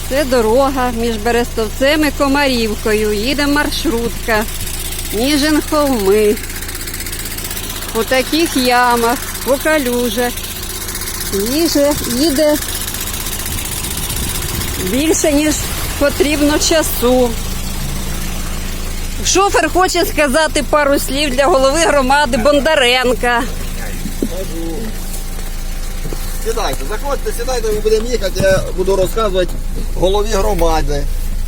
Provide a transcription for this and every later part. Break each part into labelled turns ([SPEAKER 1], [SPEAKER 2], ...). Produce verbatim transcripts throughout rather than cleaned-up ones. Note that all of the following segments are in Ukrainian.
[SPEAKER 1] Це дорога між Берестовцем і Комарівкою. Їде маршрутка. Ніжин холми. У таких ямах, по калюжах. Їже, їде більше, ніж потрібно часу. Шофер хоче сказати пару слів для голови громади Бондаренка.
[SPEAKER 2] Сідайте, заходьте, сідайте, ми будемо їхати, я буду розказувати голові громади.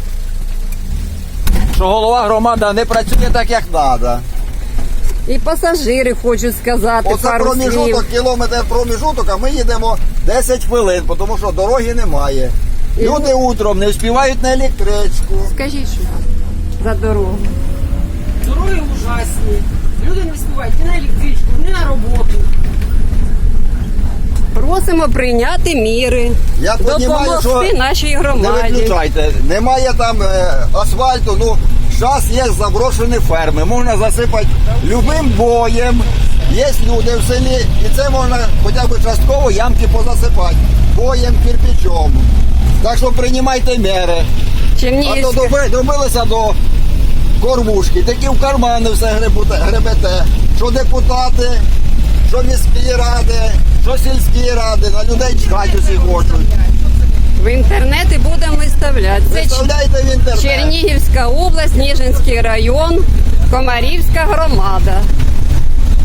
[SPEAKER 2] Що голова громади не працює так, як треба.
[SPEAKER 1] І пасажири хочуть сказати
[SPEAKER 2] Оце
[SPEAKER 1] пару
[SPEAKER 2] проміжуток,
[SPEAKER 1] слів.
[SPEAKER 2] кілометр проміжуток, а ми їдемо десять хвилин, тому що дороги немає.
[SPEAKER 1] І
[SPEAKER 2] Люди утром не вспівають на електричку.
[SPEAKER 1] Скажіть, що за дорогу.
[SPEAKER 3] Дороги ужасні. Люди не співають ні на електричку, ні на роботу.
[SPEAKER 1] Просимо прийняти міри,
[SPEAKER 2] Я понімаю,
[SPEAKER 1] допомогти
[SPEAKER 2] що
[SPEAKER 1] нашій
[SPEAKER 2] не
[SPEAKER 1] громаді.
[SPEAKER 2] виключайте. Немає там е, асфальту, ну зараз є заброшені ферми, можна засипати любим боєм. Є люди в селі, і це можна хоча б частково ямки позасипати. Боєм, кирпичом. Так що приймайте міри. А то
[SPEAKER 1] Чернігівська.
[SPEAKER 2] доби- добилися до кормушки, такі в кармани все гребете, гребете. Що депутати, що міські ради, що сільські ради, на людей чхати усі хочуть.
[SPEAKER 1] В інтернеті будемо виставляти. Це Ч-
[SPEAKER 2] Виставляйте в інтернет.
[SPEAKER 1] Чернігівська область, Ніжинський район, Комарівська громада.